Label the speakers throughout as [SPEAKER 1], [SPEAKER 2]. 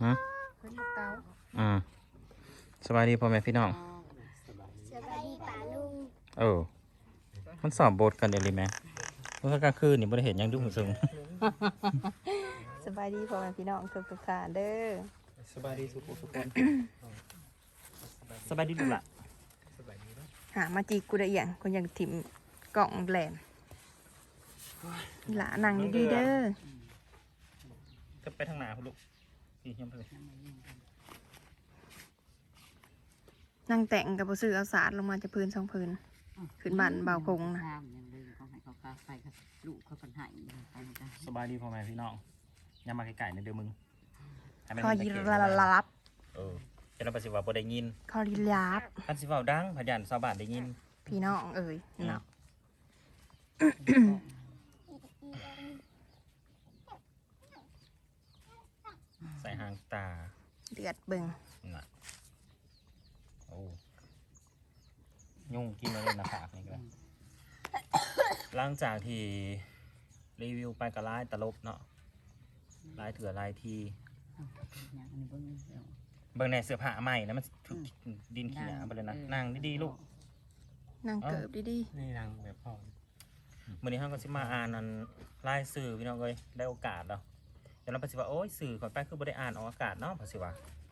[SPEAKER 1] ฮะสบายดีพ่อแม่พี่น้อง
[SPEAKER 2] สบายดีป่าลุง
[SPEAKER 1] มันสอบบทกันเดี๋ยวนี้ไหมเมื่อกลางคืนนี่บ่ได้เห็นยังดุซึ้ง
[SPEAKER 3] สบายดีพ่อแม่พี่น้องทุกท่านเด้อ
[SPEAKER 1] สบายดีทุกคนสบายดีลูกหล่ะ
[SPEAKER 3] หามาจีกูได้อย่างคนยังถิ่มกล่องแหลมหลานั่งดีๆเด้อ
[SPEAKER 1] จะไปทางไหนคุณลูกนี่ยังไปเลย
[SPEAKER 3] นั่งแต่งกับผู้ซื้อเอาสาดลงมาจะพื้นสองพื้นขึ้นบ้านเบาคงนะ
[SPEAKER 1] สบายดีพ่อแม่พี่น้องอย่ามาไกลๆนะเดี๋ยวมึง
[SPEAKER 3] คอยีระลับ
[SPEAKER 1] จะนำไปสิว่าบ่ได้ยิน
[SPEAKER 3] คอรีลาบ
[SPEAKER 1] คันสิเว้าดังพยานชาวบ้านได้ยิน
[SPEAKER 3] พี่น้องเอ่ยเนาะ
[SPEAKER 1] ใส่หางตา
[SPEAKER 3] เดือดเบิ่ง
[SPEAKER 1] น่ะโอ้ยุ่งกินมาเลยนะผากนี่ก็หลังจากที่รีวิวไปกับไลน์ตลบเนาะไลน์เถื่อไลน์ทีเบิ่งในเสื้อผ้าใหม่นะมันถูกดินเขียไปเลยนะนั่งดีๆลูก
[SPEAKER 3] นั่งเกิบดี
[SPEAKER 4] นี่นางแบบพ่อ
[SPEAKER 1] มื้อนี้เฮาก็สิมาอ่านอันรายสื่อพี่น้องเอ้ยได้โอกาสแล้วเดี๋ยวเราไปสิว่าโอ้ยสื่อก่อนไปคือบ่ได้อ่านออกอากาศเนาะภาษีว่า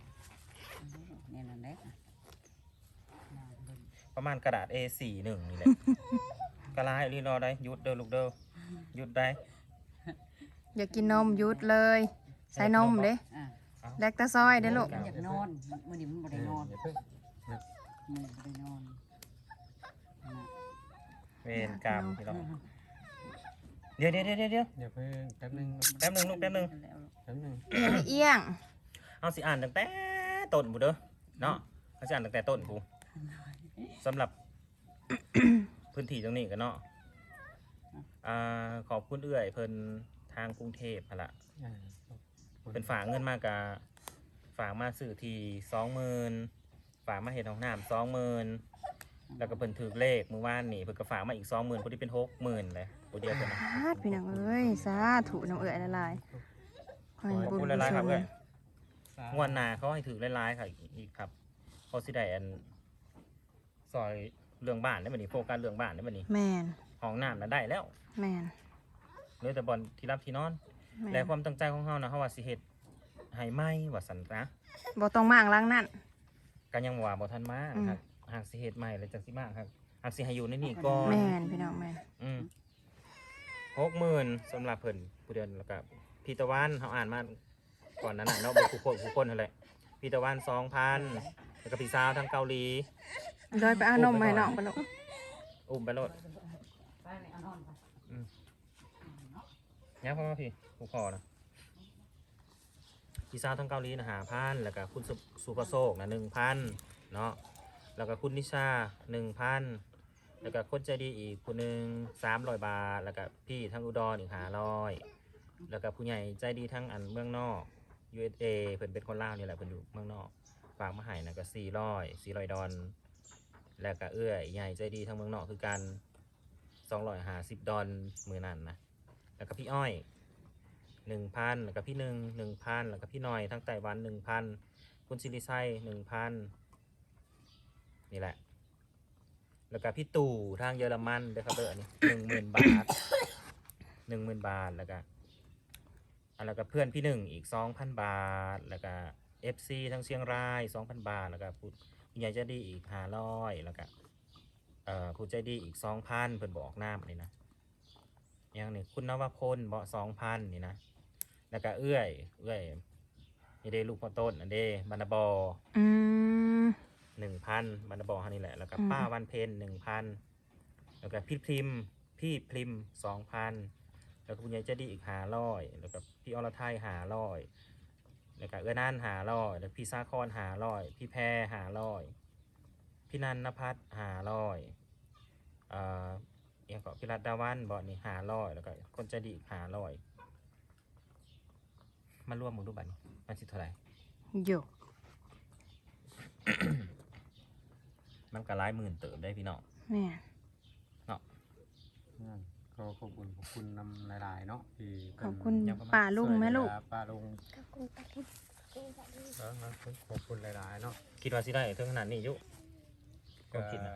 [SPEAKER 1] ประมาณกระดาษ A4 หนึ่งนี่แหละ กระลายรีรอได้หยุดเด้อลูกเด้อหยุดได้
[SPEAKER 3] ๆอยากกินนมหยุดเลยใส่นมเด้แลคตาซอยเด้อลูก
[SPEAKER 5] อยากนอนมื้อนี้มันบ่ได้นอน
[SPEAKER 4] อย่าเพิ่ง
[SPEAKER 5] มื้อนี้บ่ได้นอน
[SPEAKER 1] เวรกรรมพี่น้องเดี๋ยว
[SPEAKER 4] อย่าเพิ่งแป๊บนึง
[SPEAKER 1] แป๊บหนึงลูกแป๊บหนึง
[SPEAKER 4] แป๊บนึง
[SPEAKER 3] เอี้ยง
[SPEAKER 1] เอาสิอ่านตั้งแต่ต้นกูเด้อเนาะเอาสิอ่านตั้งแต่ต้นกูสำหรับ พื้นที่ตรงนี้กันเนาะขอบคุณเอื้อยเพิ่นทางกรุงเทพหั่นล่ะ เป็นฝากเงินมากะฝากมาซื้อที่20,000ฝากมาเห็ดของน้ำ20,000แล้วก็เพิ่นถือเลขเมื่อวานนี่เพิ่นก็ฝากมาอีก20,000พอดีเป็น60,000เลยตัวเดียวกันนะ
[SPEAKER 3] สาธุพี่น้องเอ้ยสาธุน้องเอ๋ยละลายขอให้
[SPEAKER 1] ขอบ
[SPEAKER 3] บุญ
[SPEAKER 1] คุณ
[SPEAKER 3] กุ
[SPEAKER 1] หลาย
[SPEAKER 3] ศ
[SPEAKER 1] ๆครับ
[SPEAKER 3] ล
[SPEAKER 1] เอ้ยงวดหน้าเขาให้ถือหลายๆค่ะอีกครับพอสิได้อันซอยเรื่องบ้านได้บัดนี้โฟกัสเรื่องบ้านได้บัดนี้
[SPEAKER 3] แมน
[SPEAKER 1] ห้องน้ำน่ะได้แล้ว
[SPEAKER 3] แมน
[SPEAKER 1] เหลือแต่บอลที่รับที่นอน
[SPEAKER 3] แม
[SPEAKER 1] และ
[SPEAKER 3] น
[SPEAKER 1] ความตั้งใจของเฮานะเฮาว่าสิเฮ็ดให้ไหมว่าซั่นนะ
[SPEAKER 3] บ่ต้องมางล้างนั่น
[SPEAKER 1] ก็ยังว่าบ่ทันมา
[SPEAKER 3] อืม
[SPEAKER 1] ครับหากสิเฮ็ดใหม่แล้วจังสิมาครับหากสิให้อยู่ในนี่ก่อน
[SPEAKER 3] แมนพี่น้องแมน
[SPEAKER 1] 60,000สำหรับเพิ่นผู้เดือนแล้วก็พี่ตะวันเขาอ่านมาก่อนนั้นน่ะเนาะบ่ผู้คนนั่นแหละพี่ตะวัน 2,000 แล้วก็พี่สาวทางเกาหลี
[SPEAKER 3] โดยไปเอานมมาให้น้องปะลูก
[SPEAKER 1] อุ้มไปโลด
[SPEAKER 5] ไปเอานอนไป
[SPEAKER 1] เนี่ยพ่อมาพี่ผู้พ่อนะพี่สาวทางเกาหลีนะ5,000แล้วก็คุณสุภโชคนะ1,000เนาะแล้วก็คุณนิชา 1,000แล้วก็คนใจดีอีกคนหนึ่ง300 บาทแล้วก็พี่ทางอุดรอีก500แล้วก็ผู้ใหญ่ใจดีทั้งอันเมืองนอก USA เพิ่นเป็นคนลาวนี่แหละเพิ่นอยู่เมืองนอกฝากมาให้นะก็400ดอลแล้วก็เอื้อยใหญ่ใจดีทั้งเมืองนอกคือกัน250ดอลมือนั่นนะแล้วก็พี่อ้อย 1,000แล้วก็พี่1,000แล้วก็พี่หน่อยทั้งไต้หวัน 1,000คุณซิริไซ1,000นี่แหละแล้วก็พี่ตู่ทางเยอรมันเด้อครับเด้ออันนี้10,000 บาท10,000 บาทแล้วก็แล้วก็เพื่อนพี่1อีก 2,000 บาทแล้วก็ FC ทั้งเชียงราย 2,000 บาทแล้วก็ผู้ใหญ่ใจดีอีก500แล้วก็ผู้ใจดีอีก 2,000เพิ่นบอกน้ำนี่นะอย่างนี้คุณนวพลเบาะ 2,000นี่นะแล้วก็เอื้อยนี่เด้ลูกพ่อต้นอันเด้บรรณบอ
[SPEAKER 3] อืม
[SPEAKER 1] 1,000บรรณบอฮันนี่แหละแล้วก็ป้าวันเพ็ญ1,000แล้วก็พี่พริม2,000แล้วก็คุณยายเจดีอีก500แล้วก็พี่อรไทย500แล้วก็เอื้อนั่น500แล้วพี่ซาคอน500พี่แพร500พี่นันนภัส500อย่างก็พี่รัตดาวันบอนี่500แล้วก็คนใจดีอีก500มารวมหมดรูปบัตรมันสิเท่าไหร่
[SPEAKER 3] โย
[SPEAKER 1] มันก็หลายหมื่นเติมได้พี่น้อง
[SPEAKER 3] แม่
[SPEAKER 4] ก็ขอบคุณนำหลายๆเนาะที่
[SPEAKER 3] ขอบคุณป้าลุงแม่ลูก
[SPEAKER 4] ป้าลุง
[SPEAKER 2] ขอบคุณปลาลุง
[SPEAKER 4] ขอบคุณหลายๆเนาะ
[SPEAKER 1] คิดว่าสิได้ถึงขนาดนี้อยู่ก็
[SPEAKER 4] ก็
[SPEAKER 1] คิดนะ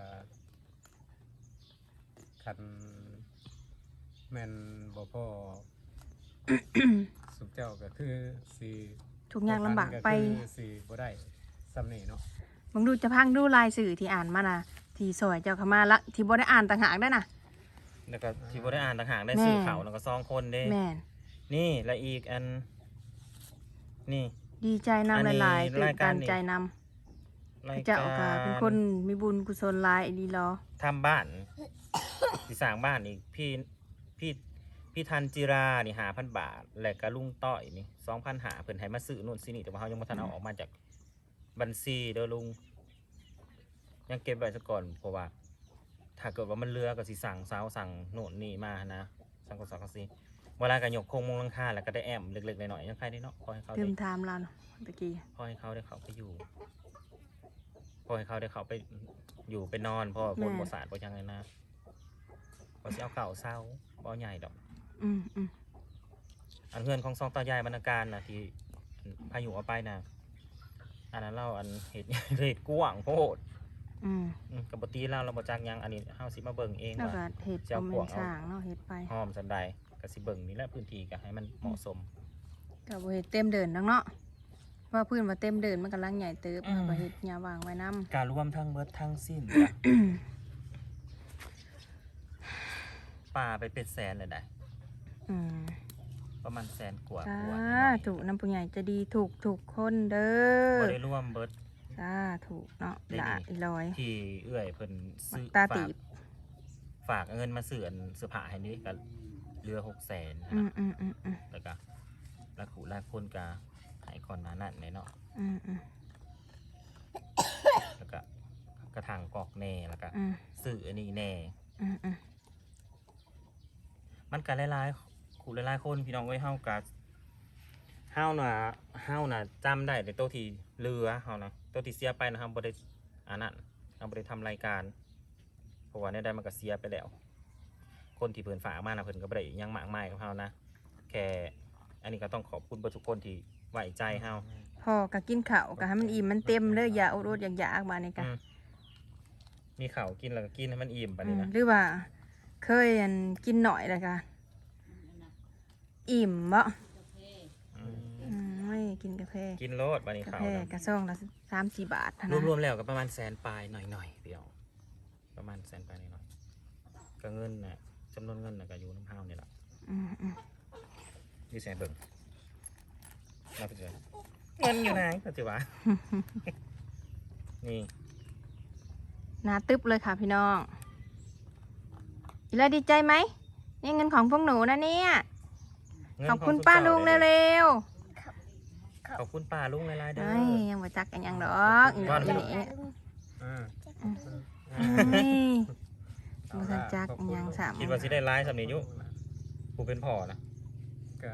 [SPEAKER 4] คันแม่นบ่พ่อ สุขเจ้าก็คือสิ
[SPEAKER 3] ทุกอย่างลำบากไป
[SPEAKER 4] คือสิบ่ได้ซ้ำนี่เนาะ
[SPEAKER 3] มึงดูจะพังดูลายสื่อที่อ่านมานะที่สวยเจ้าเข้ามาละที่บ่ได้อ่านต่างหากได้นะ
[SPEAKER 1] แล้วก็ที่บ่ได้อ่านต่างหากได้
[SPEAKER 3] แม่
[SPEAKER 1] สื่อข่าวแล้วก็ซองคนเด้
[SPEAKER 3] แม่น
[SPEAKER 1] นี่และอีกอันนี่
[SPEAKER 3] ดีใจนำ
[SPEAKER 1] อันนี้
[SPEAKER 3] หลายๆตื่
[SPEAKER 1] ราน ยกา
[SPEAKER 3] ตั
[SPEAKER 1] ร
[SPEAKER 3] น
[SPEAKER 1] นี่
[SPEAKER 3] ใจน
[SPEAKER 1] ราย
[SPEAKER 3] ำเจ้าก็เป็นคน
[SPEAKER 1] ร
[SPEAKER 3] มีบุญกุศลหลายดีรอ
[SPEAKER 1] ทำบ้านสิสร้างบ้านอีกพี่ทันจิรานี่5,000 บาท และก็ลุงต้อยนี่2,500เพิ่นให้มาซื้อนู่นซื้อนี่แต่ว่าเฮายังบ่ทันเอาออกมาจากบัญชีเด้อลุงยังเก็บไว้ซะก่อนเพราะว่า ถ้าเกิดว่ามันเรือก็สิสั่งเสาสั่งโน่นนี่มานะสั่งก็สั่งก็สิเวลาก็ยกโครงมุงหลังคาแล้วก็ได้แอมเล็กๆน้อยๆยังใครได้เนาะพอให้เขา
[SPEAKER 3] เติ
[SPEAKER 1] ได้
[SPEAKER 3] มไทม์เราเนาะตะกี้
[SPEAKER 1] พอให้เขาได้เขาไปอยู่พอให้เขาได้เขาไปอยู่ไปนอนเพราะว่าคนบ่สาดบ่จังเลยนะบ่สิเอาเก่าเศร้าบ่เอาใหญ่ดอก
[SPEAKER 3] อืม
[SPEAKER 1] อันเพื่อนของซองตายายบรรณาการน่ะที่พายุเอาไปน่ะอันนั้นเราอันเฮ็ด เฮ็ดกว้างโพด กับปตีเราบ่จักหยังอันนี้เฮาสิมาเบิ่งเอง
[SPEAKER 3] แล้ว
[SPEAKER 1] ว่า
[SPEAKER 3] ก็เห็ด
[SPEAKER 1] เจ้า
[SPEAKER 3] ก็
[SPEAKER 1] พ
[SPEAKER 3] แม่
[SPEAKER 1] วก
[SPEAKER 3] น
[SPEAKER 1] เอา
[SPEAKER 3] สร้างเนาะเห็ดไป
[SPEAKER 1] หอมสันใดก็สิเบิ่งนี่แหละพื้นที่ก็ให้มันเหมาะสม
[SPEAKER 3] ก็บ่เห็ดเต็มเดินดังเนาะว่าพื้นว่าเต็มเดินมันกำลังใหญ่เติบ
[SPEAKER 1] อืม
[SPEAKER 3] บ่เห็ดหญ้าวางไว้นํ
[SPEAKER 1] การรวมทั้งเบิดทั้งสิ้นป่าไปเป็นแสนเลยได้
[SPEAKER 3] อืม
[SPEAKER 1] ประมาณแสนกว่า
[SPEAKER 3] สาก
[SPEAKER 1] ว่า
[SPEAKER 3] ธุน้ำผู้ใหญ่จะดีถูกคนเด้
[SPEAKER 1] บ่
[SPEAKER 3] อ
[SPEAKER 1] ได้รวมเบิด
[SPEAKER 3] สาธุเนาะ
[SPEAKER 1] ได้
[SPEAKER 3] หลา
[SPEAKER 1] ดี
[SPEAKER 3] อีลอย
[SPEAKER 1] ที่เอื้อยเพิ่นซื้อ
[SPEAKER 3] ตาตีบ
[SPEAKER 1] ฝากเงินมาซื้ออันเสื้อผ้าให้นี่ก็เรือ 600,000
[SPEAKER 3] อื
[SPEAKER 1] นะ
[SPEAKER 3] ม
[SPEAKER 1] แล้วก็ละขุละคนก็ให้ก่อนหน้านั้นแน่เนาะ
[SPEAKER 3] อืม
[SPEAKER 1] แล้วก็กระถางกอกแน่แล้วก็
[SPEAKER 3] อืม
[SPEAKER 1] ซื้ออันนี้แน่
[SPEAKER 3] อืม
[SPEAKER 1] มันก็หลายๆขู่หลายๆคนพี่น้องเอ้ยเฮาน่ะจำได้แต่ตัวที่เรือเฮานะตัวที่เสียไปนะเฮาบ่ได้อันนั้นเฮาบ่ได้ทำรายการเพราะว่าในใดมันก็เสียไปแล้ว คนที่เพิ่นฝากมานะเพิ่นก็บ่ได้หยังมากมายกับเฮานะแค่อันนี้ก็ต้องขอบคุณเบิดทุกคนที่ไว้ใจเฮา
[SPEAKER 3] พอก็กินข้าวก็ให้มันอิ่มมันเต็มเด้ออย่าอดอยากๆบาดนี้ก็
[SPEAKER 1] อืมมีข้าวกินแล้วก็กินให้มันอิ่มปานนี้นะ
[SPEAKER 3] หรือว่าเคยอันกินหน่อยเลยค่ะอิ่มบ่
[SPEAKER 1] อืม
[SPEAKER 3] ไม่กินกาแฟ
[SPEAKER 1] กินโลดปานนี้
[SPEAKER 3] กา
[SPEAKER 1] ข้าว
[SPEAKER 3] แฟ
[SPEAKER 1] นะ
[SPEAKER 3] กระซ่องละ3-4 บาทเท่านั้น
[SPEAKER 1] รวมๆแล้วก็ประมาณแสนปลายหน่อยๆพี่น้องประมาณแสนปลายหน่อยๆก็เงินน่ะจำนวนเงินน่ะก็อยู่น้ำเฮานี่ล่ะ
[SPEAKER 3] อืม
[SPEAKER 1] นี่แสนเบิ่งเราไปเจอเงินอยู่ไหนปัจจุบัน นี่
[SPEAKER 3] หนาตึ๊บเลยค่ะพี่น้องอีลาดีใจไหมนี่เงินของพวกหนูนะเนี่ย
[SPEAKER 1] เงิน
[SPEAKER 3] ขอบคุณ
[SPEAKER 1] ง
[SPEAKER 3] ป้า
[SPEAKER 1] เจ้
[SPEAKER 3] ลุง
[SPEAKER 1] เลย
[SPEAKER 3] เร็ว
[SPEAKER 1] ขอบคุณป้าลุงหลายๆ
[SPEAKER 3] ๆ
[SPEAKER 1] เด้อ
[SPEAKER 3] เอ้ยยังบ่จักกันยังดอก
[SPEAKER 1] ว่า
[SPEAKER 3] อี
[SPEAKER 1] ลูก
[SPEAKER 3] นี่
[SPEAKER 4] อ่า
[SPEAKER 3] เอ้ยบ่ทันจักอิหยังสาม
[SPEAKER 1] คิดว่าสิได้ร้ายสำนี้อยุกูเป็นพ่อนะ
[SPEAKER 4] ก็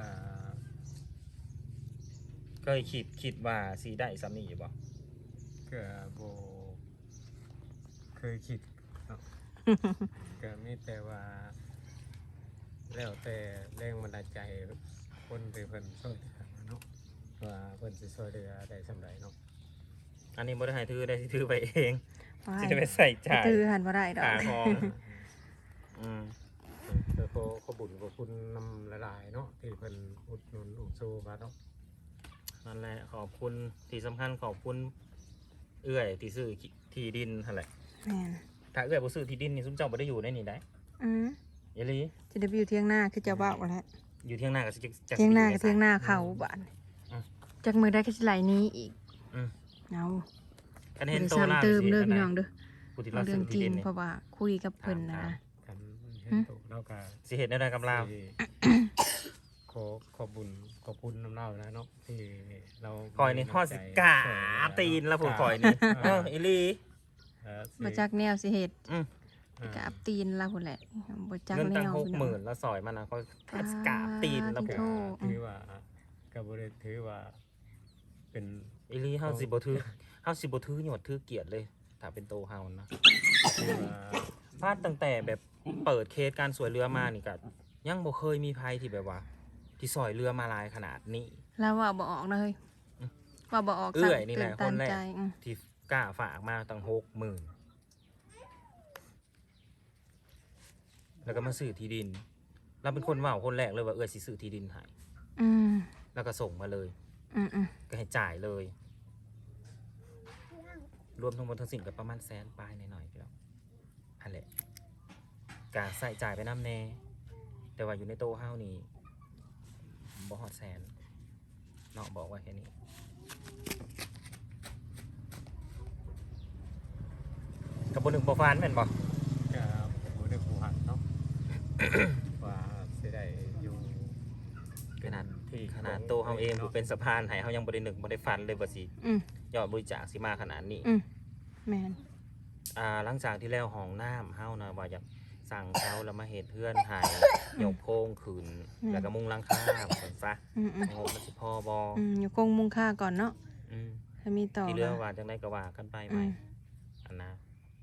[SPEAKER 1] เคยคิดว่าสีได้สำนี้อยู่บ่
[SPEAKER 4] ก็บ่เคยคิดเนาะ ก็มีแต่ว่า แล้วแต่แรงบันดาลใจคนที่เพิ่นช่วยเหลือเนาะว่าเพิ่นสิช่วยเหลือได้สำใดเนาะ
[SPEAKER 1] อันนี้บ่ได้ให้ถือได้สิถือไปเอง
[SPEAKER 3] ว้า
[SPEAKER 1] สิ
[SPEAKER 3] ย
[SPEAKER 1] ได้ไปใส่จ่าย
[SPEAKER 3] ถือหันบ่ได้ดอก
[SPEAKER 1] ขาของอืม
[SPEAKER 4] ก็ขอบุญขอบคุณนำหลายๆเนาะที่เพิ่นอุดหนุนอุดสู้มาเนาะ
[SPEAKER 1] นั่นแหละขอบคุณที่สำคัญขอบคุณเอื้อยที่ซื้อที่ดินนั่นแหละ
[SPEAKER 3] แม่น
[SPEAKER 1] ถ้าเอื้อยบ่ซื้อที่ดินนี่ซุมเจ้าบ่ได้อยู่ในนี่ได้
[SPEAKER 3] อืม
[SPEAKER 1] อย่าลี
[SPEAKER 3] จะได้ไปอยู่เที่ยงหน้าคือเจะเว้าแล้ว
[SPEAKER 1] อยู่เที่ยงหน้าก็สิจะ
[SPEAKER 3] เที่ยงหน้า
[SPEAKER 1] สิ
[SPEAKER 3] กับ
[SPEAKER 1] ไป
[SPEAKER 3] เที่ยงหน้าเขาบ้าน
[SPEAKER 1] อืม
[SPEAKER 3] จากมือได้ก็สิไหลนี้อีก
[SPEAKER 1] อืม
[SPEAKER 3] เอา
[SPEAKER 1] กัน
[SPEAKER 3] บ่
[SPEAKER 1] เห็น
[SPEAKER 3] ได้
[SPEAKER 1] โต
[SPEAKER 3] ซ้ำ
[SPEAKER 1] ล่า
[SPEAKER 3] เติม
[SPEAKER 1] สิ
[SPEAKER 3] เด้อ
[SPEAKER 1] อัน
[SPEAKER 3] พี่
[SPEAKER 1] ใด
[SPEAKER 3] น้องเด้อ
[SPEAKER 1] ผู้ที่
[SPEAKER 3] เอา
[SPEAKER 1] เรา
[SPEAKER 3] เรื่
[SPEAKER 1] ซื้
[SPEAKER 3] อง
[SPEAKER 1] อ
[SPEAKER 3] จริ
[SPEAKER 1] ที่
[SPEAKER 3] ง
[SPEAKER 1] ดินนี่
[SPEAKER 3] เพราะว่าคุยกับเพิ่นนะ
[SPEAKER 4] กันเห็น
[SPEAKER 3] หึ
[SPEAKER 4] ตัวเราก็
[SPEAKER 1] สิเห็นได้กับเรา
[SPEAKER 4] สิขอบุญขอบคุณน้ำเล่านะเนาะที่เรา
[SPEAKER 1] คอยนี่ทอดสิกาตีนแล้วผู้คอยนี่เอออีหลี
[SPEAKER 3] บ่จักแนวสิเฮ็ด
[SPEAKER 1] อืม
[SPEAKER 3] กราบตีนเราพุ่นแหละบ่จัก
[SPEAKER 1] เงิน
[SPEAKER 3] แน
[SPEAKER 1] ตั้ง
[SPEAKER 3] วพี่น้อง
[SPEAKER 1] 60,000แล้วซอยมันนะคอยทอดสิกาตีนแล้วผู้
[SPEAKER 3] โทษ
[SPEAKER 4] ถือว่าก็บ่ได้ถือว่าเป็น
[SPEAKER 1] อีหลีเฮาสิบ่ถือหยวดถือเกียรติเลยถ้าเป็นโตเฮานะ
[SPEAKER 4] ถือว่า
[SPEAKER 1] พลาดตั้งแต่แบบเปิดเคสการสวยเรือมานี่ก็ยังบ่เคยมีภัยที่แบบว่า ที่ซอยเรือมาหลายขนาดนี้
[SPEAKER 3] แล้วว่าบ่ออกนะเฮ้ยว่าบ่ออก
[SPEAKER 1] เอื้อยนี่แหละ
[SPEAKER 3] ตื่
[SPEAKER 1] คนแรก
[SPEAKER 3] ใจอืม
[SPEAKER 1] ที่กล้าฝากมาตั้ง60,000แล้วก็มาซื้อที่ดินเราเป็นคนว่าคนแรกเลยว่าสิซื้อที่ดินให้
[SPEAKER 3] อืม
[SPEAKER 1] แล้วก็ส่งมาเลย
[SPEAKER 3] อืมอืม
[SPEAKER 1] ก็ให้จ่ายเลย รวมทั้งหมดทั้งสิ้นก็ประมาณ100,000ปลายหน่อยๆพี่น้องอันแหละการใส่จ่ายไปน้ำแน่แต่ว่าอยู่ในโต๊ะเฮานี่บ่ฮอด100,000เนาะบอกไว่าแค่นี้กับบนหนึ่งโปรฟานแม่นบ่
[SPEAKER 4] ก็บ่ได้ผู้หักเนาะ ว่าสิได้อยู่
[SPEAKER 1] ขนาด
[SPEAKER 4] ที่
[SPEAKER 1] ขนาดโตเฮาเองผู้เป็นสะพานให้เฮายังบ่ได้นึกบ่ได้ฝันเลยว่าสิ
[SPEAKER 3] อืม
[SPEAKER 1] ยอดบริจาคสิมาขนาดนี้
[SPEAKER 3] อืมแม่น
[SPEAKER 1] หลังจากที่แล้วห้องน้ำเฮานะว่าอยากสั่งเขาแล้วมาเฮ็ดเพื่อนให้ยกโพงขึ้นแล้วก็มุงหลังคาเหมือนซะ
[SPEAKER 3] อืมอืม
[SPEAKER 1] งบมันสิพอบ่
[SPEAKER 3] อืมอยู่คงมุงค่าก่อนเนาะ
[SPEAKER 1] อืม
[SPEAKER 3] ถ้ามีต่อ
[SPEAKER 1] ที่เหลือว่าจังได๋ก็ว่ากันไปให
[SPEAKER 3] อื
[SPEAKER 1] ม่
[SPEAKER 3] ม
[SPEAKER 1] อันนะ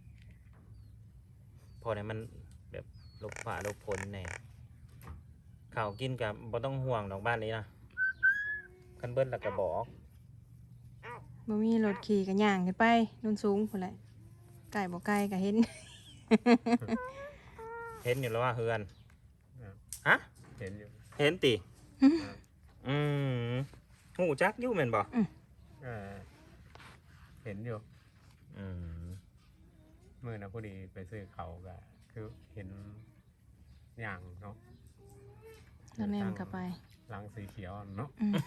[SPEAKER 1] พอได้มันแบบลบฝ่าลบพ้นแน่ข้าวกินก็บ่ต้องห่วงดอกบ้านนี้นะคันเบิดแล้วก็บอก
[SPEAKER 3] บ่มีรถขี่ก็ย่างขึ้นไปนุ่นสูงพุ่นแหละไก่บ่ไก่ก็เห็น
[SPEAKER 1] เห็นอยู่แล้วว่าเฮือน
[SPEAKER 4] อ่า
[SPEAKER 1] ฮะ
[SPEAKER 4] เห็นอยู่
[SPEAKER 1] เห็นติ
[SPEAKER 4] อ่า
[SPEAKER 1] อืมหูจักอยู่แม่นบ่
[SPEAKER 4] อ่าเห็นอยู่
[SPEAKER 1] อืม
[SPEAKER 4] มื้อน่ะพอดีไปซื้อเขาวก็คือเห็นอย่างเนาะ
[SPEAKER 3] แล้วแนมกลับไป
[SPEAKER 4] หลังสีเขียวเนาะ
[SPEAKER 3] อืม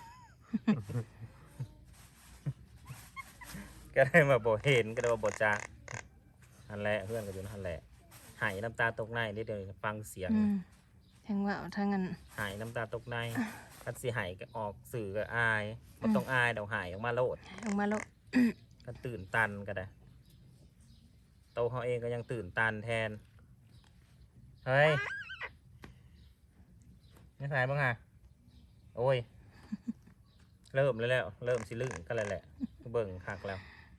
[SPEAKER 1] ก็ได้มาบ่เห็นก็ได้มาบ่จักนั่นแหละเพื่อนก็อยู่นั่นแหละหายน้ำตาตกในได้เดี๋ยวฟังเสียง
[SPEAKER 3] อืมทั้งว่าทั้งนั้น
[SPEAKER 1] หายน้ำตาตกในคันสิหายก็ออกสื่อก็อายบ่ต้องอายเดี๋ยวหายออกมาโลด
[SPEAKER 3] ออกมาแล้ว
[SPEAKER 1] ก็ตื่นตันก็ได้โตวเขาเองก็ยังตื่นตันแทนเฮ้ยไม่สายบ้างอ่ะโอ้ย เริ่มแล้ว เริ่มสิลึ่งก็เลยแหละเบิ่งคักแล้ว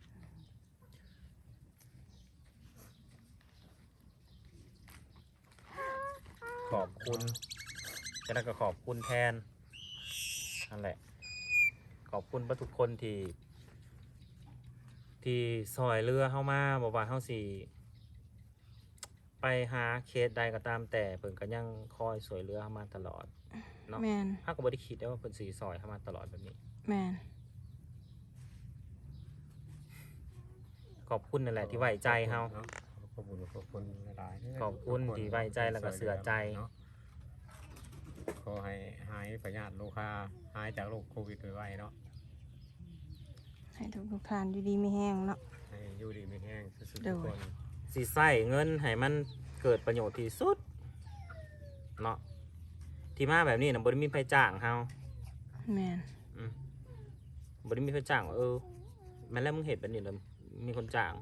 [SPEAKER 1] ขอบคุณฉะนั้นก็ขอบคุณแทนนั่นแหละ ขอบคุณทุกคนที่ซอยเรือเข้ามาบอกว่าเข้าสิไปหาเคสใดก็ตามแต่เพิ่นก็ยังคอยสวยเรือเข้ามาตลอดเนาะ
[SPEAKER 3] แมน
[SPEAKER 1] ถ้าก็บ่ได้คิดได้ว่าเพิ่นสิซอยเข้ามาตลอดแบบนี้
[SPEAKER 3] แมน
[SPEAKER 1] ขอบคุณนั่นแหละที่ไว้ใจเฮา
[SPEAKER 4] ขอบคุณหลายๆ
[SPEAKER 1] ขอบคุณที่ไว้ใจแล้วก็เชื่อใจ
[SPEAKER 4] เนาะขอให้หายพยาธิโรคาหายจากโรคโควิดไวๆเนาะ
[SPEAKER 3] ให้ทุกทานอยู่ดีไม่แห้งเนาะ
[SPEAKER 4] ให้อยู่ดีไม่แห้งสุดๆ
[SPEAKER 3] เดี๋
[SPEAKER 4] ทุ
[SPEAKER 3] ยว
[SPEAKER 4] กคน
[SPEAKER 1] สิใส่เงินให้มันเกิดประโยชน์ที่สุดเนาะที่มาแบบนี้นะบ่ได้มีไผจ้างเฮา
[SPEAKER 3] แมน
[SPEAKER 1] บ่ได้มีไผจ้างว่าแม่นแล้วมึงเฮ็ดแบบนี้แล้วมีคนจ้าง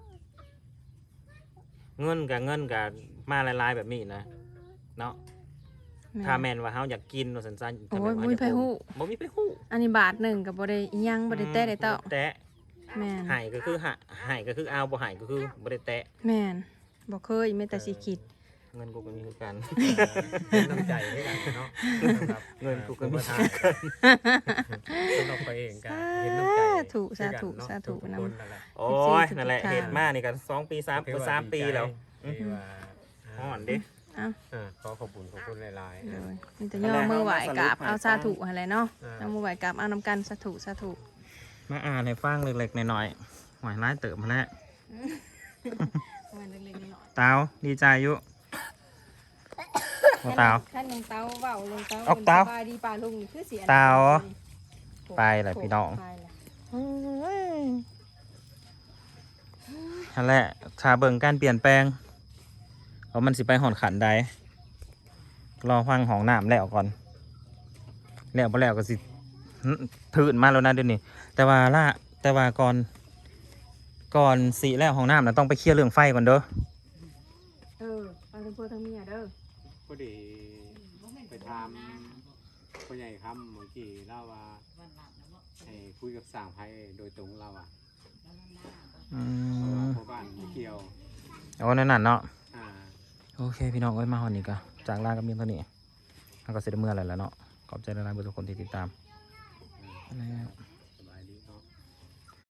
[SPEAKER 1] เงินกับมาหลายๆแบบนี้นะเนาะ ถ้าแม่นว่าเฮาอยากกินว่าซั่นๆ
[SPEAKER 3] โอ้ยบ่มีไผฮู้
[SPEAKER 1] บ่มีไผฮู้
[SPEAKER 3] อันนี้บาทหนึ่งกับบ่ได้อิหยังบ่ได้แตะได้เต้า
[SPEAKER 1] แตะ
[SPEAKER 3] แมน
[SPEAKER 1] ให้ก็คือให้ก็คือเอาบ่ให้ก็คือบ่ได้แตะ
[SPEAKER 3] แมนบ่เคยแม้แต่สิคิด
[SPEAKER 1] เงินกูก็มีคือกัน
[SPEAKER 4] น้ำใจให้กันเนาะนะครับ
[SPEAKER 1] เงินกูก็มี
[SPEAKER 4] มาทานสำหรับตัวเองกันเห็นน้ำใจ
[SPEAKER 3] สาธุสาธุ
[SPEAKER 4] ทุก
[SPEAKER 3] น
[SPEAKER 4] คนนั่นแหละ
[SPEAKER 1] โอ้ยนั่นแหละเฮ็ดมานี่ก็2 ปี 3 ปีแล้ว
[SPEAKER 4] ที่ว่า
[SPEAKER 1] ฮ้อนเด้
[SPEAKER 3] เอ้า
[SPEAKER 4] ขอขอบคุณหลาย
[SPEAKER 3] เลยมีแต่ย่อมือไหวกราบเอาสาธุอะไรเนาะ
[SPEAKER 4] อ่า
[SPEAKER 3] เอามือไหวกราบเอานำกันสาธุสาธุ
[SPEAKER 1] มาอ่านให้ฟังเล็กๆหน่อยๆหอยร้ายเติบมาแล้ว
[SPEAKER 3] มันเล็กๆน้อย
[SPEAKER 1] เตาดีใจอยู่โอ้เตา
[SPEAKER 3] ท่านยังเตาเว้าลงเตา
[SPEAKER 1] ออกเตา
[SPEAKER 3] สบายดีป่าลุงนี่คือเสีย
[SPEAKER 1] เตา ไปเลยพี่น้อง
[SPEAKER 3] ไปเลย
[SPEAKER 1] นั่นแหละชาเบิ่งการเปลี่ยนแปลงว่ามันสิไปหอนขันใดรอฟังห้องน้ำแล้วก่อนแล้วพอแล้วก็สิถืนมาแล้วนะเดี๋ยวนี้แต่ว่าก่อนสีแล้วห้องน้ำนะต้องไปเคลียร์เรื่องไฟก่อนเด้อ
[SPEAKER 3] ไปทั้งพ่อทั้งเมียเด้อ
[SPEAKER 4] ๆพอดีไปทำพ่อใหญ่คำเมื่อกี้เล่าว่าให้คุยกับสร้างไพ่โดยตรงเราอ่ะ
[SPEAKER 1] อืม
[SPEAKER 4] เพราะบ้านไม่เกี่ยว
[SPEAKER 1] เอานั่นน่ะเนาะ
[SPEAKER 4] อ่า
[SPEAKER 1] โอเคพี่น้องเอ้ยมาหอนนี้ก็จากลากับเมียเท่านี้แล้วก็เสร็จเมื่อไรแล้วเนาะขอบใจหลายๆทุกคนที่ติดตามแล้ว